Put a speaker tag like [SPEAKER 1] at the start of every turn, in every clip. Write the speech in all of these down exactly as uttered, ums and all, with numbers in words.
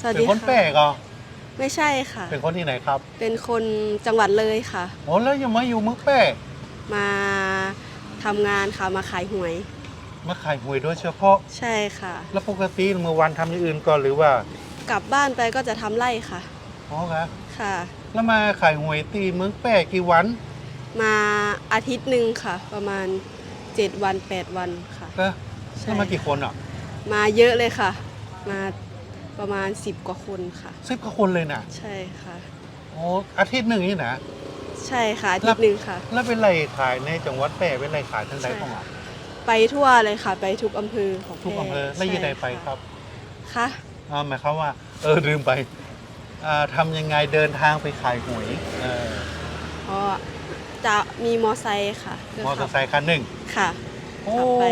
[SPEAKER 1] สวัส
[SPEAKER 2] เป็น
[SPEAKER 1] ดี
[SPEAKER 2] คนแปล
[SPEAKER 1] ค่ะ
[SPEAKER 2] กเหรอ
[SPEAKER 1] ไม่ใช่ค่ะ
[SPEAKER 2] เป็นคนที่ไหนครับ
[SPEAKER 1] เป็นคนจังหวัดเลยค่ะ
[SPEAKER 2] โอ้แล้วยังมาอยู่เมืองแปล
[SPEAKER 1] มาทำงานค่ะมาขายหวย
[SPEAKER 2] มาขายหวยโดยเฉพาะ
[SPEAKER 1] ใช่ค่ะ
[SPEAKER 2] แล้วปกติเมื่อวันทำอย่างอื่นก่อนหรือว่าก
[SPEAKER 1] ลับบ้านไปก็จะทำไร่ค่ะ
[SPEAKER 2] อ๋อครับ
[SPEAKER 1] ค่ะ
[SPEAKER 2] แล้วมาขายหวยตีเมืองแปลกี่วัน
[SPEAKER 1] มาอาทิตย์หนึ่งค่ะ ประมาณเจ็ดวันแปดวันค่ะ
[SPEAKER 2] ก็
[SPEAKER 1] ใช่
[SPEAKER 2] แล้วมากี่คนอ่ะ
[SPEAKER 1] มาเยอะเลยค่ะ มาประมาณสิบกว่าคนค่ะ
[SPEAKER 2] สิบกว่าคนเลยนะ
[SPEAKER 1] ใช่ค่ะ
[SPEAKER 2] โอ้อาทิตย์หนึ่งนี่นะ
[SPEAKER 1] ใช่ค่ะอาทิตย์หนึ่งค่ะ
[SPEAKER 2] แล้วเป็นไรขายในจังหวัดแปรเป็นไรขายทั้งใดของอ่ะ
[SPEAKER 1] ไปทั่วเลยค่ะ ไปทุกอำเภอของ
[SPEAKER 2] ทุกอำเภอ
[SPEAKER 1] แพร่
[SPEAKER 2] แล้วอยี่ใด
[SPEAKER 1] ใช่
[SPEAKER 2] ไปครับ
[SPEAKER 1] ค่ะ
[SPEAKER 2] อ่าหมายความว่า เออลืมไปอ่าทำยังไงเดินทางไปขายหวยเออ
[SPEAKER 1] เพราะจะมีมอไซค์ค่ะพื่
[SPEAKER 2] มอเตอร์ไซค์คันหนึ่ง
[SPEAKER 1] ค่ะ
[SPEAKER 2] โอ้
[SPEAKER 1] ขับไป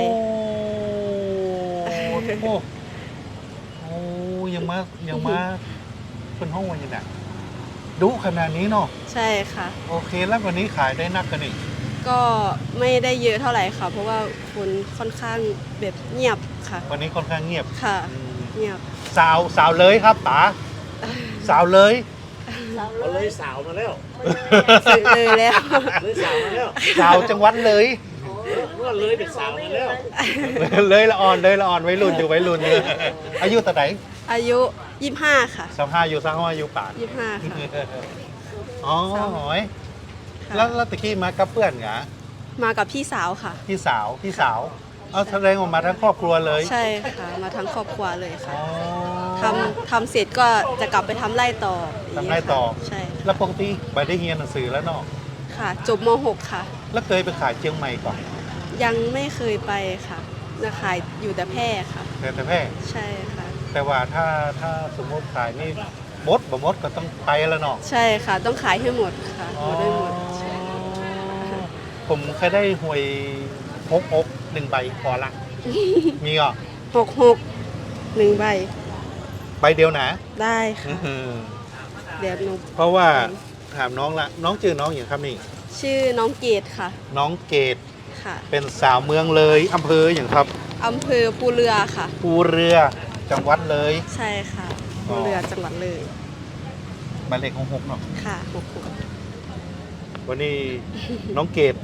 [SPEAKER 2] โหโอ้ยังมายังมาเป็นห้องวันยังไงดุขนาดนี้เนาะ
[SPEAKER 1] ใช่ค่ะ
[SPEAKER 2] โอเคแล้ววันนี้ขายได้นักกันอีก
[SPEAKER 1] ก็ไม่ได้เยอะเท่าไหร่ค่ะ เพราะว่าคนค่อนข้างแบบเงียบค่ะ
[SPEAKER 2] วันนี้ค่อนข้างเงียบ
[SPEAKER 1] ค่ะ
[SPEAKER 2] อืม
[SPEAKER 1] เงียบ
[SPEAKER 2] สาวสาวเลยครับป๋าสาวเลย
[SPEAKER 3] เอาเลยสาวมาแล้ว
[SPEAKER 1] สึกเลยแล้ว
[SPEAKER 3] เลยสาวมาแล้ว
[SPEAKER 2] สาวจังหวัดเลย
[SPEAKER 3] เมื่อเลยเป็นสาวมาแล้ว
[SPEAKER 2] เลยละอ่อนเลยละอ่อนไว้รุ่นอยู่ไว้รุ่นเนี่ยอายุแต่ไหน
[SPEAKER 1] อายุยี่สิบห้าค่ะ
[SPEAKER 2] สามห้าอยู่สามห้าอายุป่าน
[SPEAKER 1] ยี่สิบห้าค่ะ
[SPEAKER 2] อ๋อหอย
[SPEAKER 1] ค่ะ
[SPEAKER 2] แล้วแล้วตะกี้มากับเพื่อนเหรอ
[SPEAKER 1] มากับพี่สาวค่ะ
[SPEAKER 2] พี่สาวพี่สาวเอาแสดงออกมาทั้งครอบครัวเลย
[SPEAKER 1] ใช่ค่ะ มาทั้งครอบครัวเลยค่ะ
[SPEAKER 2] อ๋อ
[SPEAKER 1] ทำทำเสร็จก็จะกลับไปทำไร่ต่อ
[SPEAKER 2] ทำไร่ต่อ
[SPEAKER 1] ใช่
[SPEAKER 2] แล้วปกติไปได้เรียนหนังสือแล้วเนาะ
[SPEAKER 1] ค่ะ จบม หก ค่ะ
[SPEAKER 2] แล้วเคยไปขายเชียงใหม่ก่อน
[SPEAKER 1] ยังไม่เคยไปค่ะจะขายอยู่แต่แพร่ค่ะ
[SPEAKER 2] แต่แต่แพร่
[SPEAKER 1] ใช่ค่ะ
[SPEAKER 2] แต่ว่าถ้าถ้าสมมติขายนี่มดบ่มดก็ต้องไปแล้วเนาะ
[SPEAKER 1] ใช่ค่ะ ต้องขายให้หมดค่ะหมดได้หมดใช่
[SPEAKER 2] ผมเคยได้หวยหกหกหนึ่งใบพอละ มีอ่ะ
[SPEAKER 1] หกหกหนึ่งใบ
[SPEAKER 2] ใบเดียวนะ
[SPEAKER 1] ได้ค่ะ
[SPEAKER 2] อื้อหือ
[SPEAKER 1] เดี๋ยวหนู
[SPEAKER 2] เพราะว่าถามน้องละน้องชื่อน้องอย่างครับนี่
[SPEAKER 1] ชื่อน้องเกดค่ะ
[SPEAKER 2] น้องเกด
[SPEAKER 1] ค่ะ
[SPEAKER 2] เป็นสาวเมืองเลยอำเภออย่างครับ
[SPEAKER 1] อำเภอภูเรือค่ะ
[SPEAKER 2] ภูเรือจังหวัดเลย
[SPEAKER 1] ใช่ค่ะ
[SPEAKER 2] อ๋
[SPEAKER 1] ภู
[SPEAKER 2] อ
[SPEAKER 1] เรือจังหวัดเลย
[SPEAKER 2] หมายเลขของหกเนาะ
[SPEAKER 1] ค่ะหกหก
[SPEAKER 2] วันนี้น้องเกด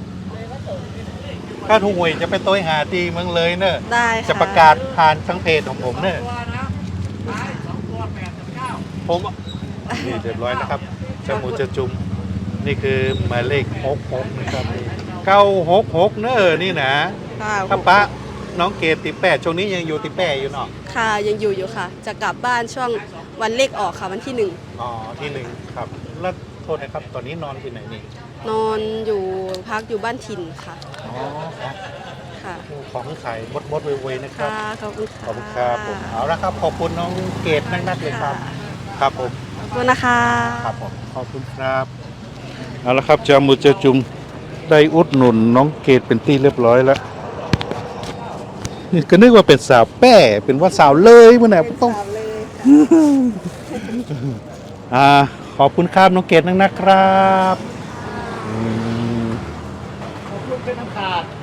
[SPEAKER 2] ถ้าถูกหวยจะไปโต้ยหาตีเมืองเลยเนอะ
[SPEAKER 1] ได้ค่ะ
[SPEAKER 2] จะประกาศผ่านทั้งเพจของผมเนอะผมนี่เรียบร้อยนะครับจมูกจะจุ่มนี่คือหมายเลขหกหกนะครับเก้าหกหกเนอะนี่นะ
[SPEAKER 1] ค่ะ
[SPEAKER 2] ถ้าปะน้องเกดติแปดช่วงนี้ยังอยู่ติแปดอยู่เนาะ
[SPEAKER 1] ค่ะยังอยู่อยู่ค่ะ จะกลับบ้านช่วงวันเลขออกค่ะวันที่หนึ่ง
[SPEAKER 2] อ๋อที่หนึ่งครับ แล้วโทษนะครับตอนนี้นอนที่ไหนนี่
[SPEAKER 1] นอนอยู่พักอยู่บ้านถิ่นค่ะ
[SPEAKER 2] อ๋อครับ
[SPEAKER 1] ค่ะ
[SPEAKER 2] ของขายมดมดๆเวยๆนะครับ
[SPEAKER 1] ค่ะขอบคุณค่ะ
[SPEAKER 2] ขอบคุณครับผมเอาละครับขอบคุณน้องเกดนักๆเลยครับ
[SPEAKER 1] ค่ะ
[SPEAKER 2] ครับผม
[SPEAKER 1] ขอบคุณนะคะ
[SPEAKER 2] ครับผมขอบคุณครับเอาละครับจามุจะจุมได้อุดหนุนน้องเกดเป็นที่เรียบร้อยแล้วนี่ก็นึกว่าเป็นสาวแป้เป็นว่าสาวเลยเมื่อไหร่ต้อง
[SPEAKER 1] สาวเลย
[SPEAKER 2] อ่าขอบคุณครับน้องเกดนักๆครับอืม
[SPEAKER 3] ลูกเป็นน้ำขาด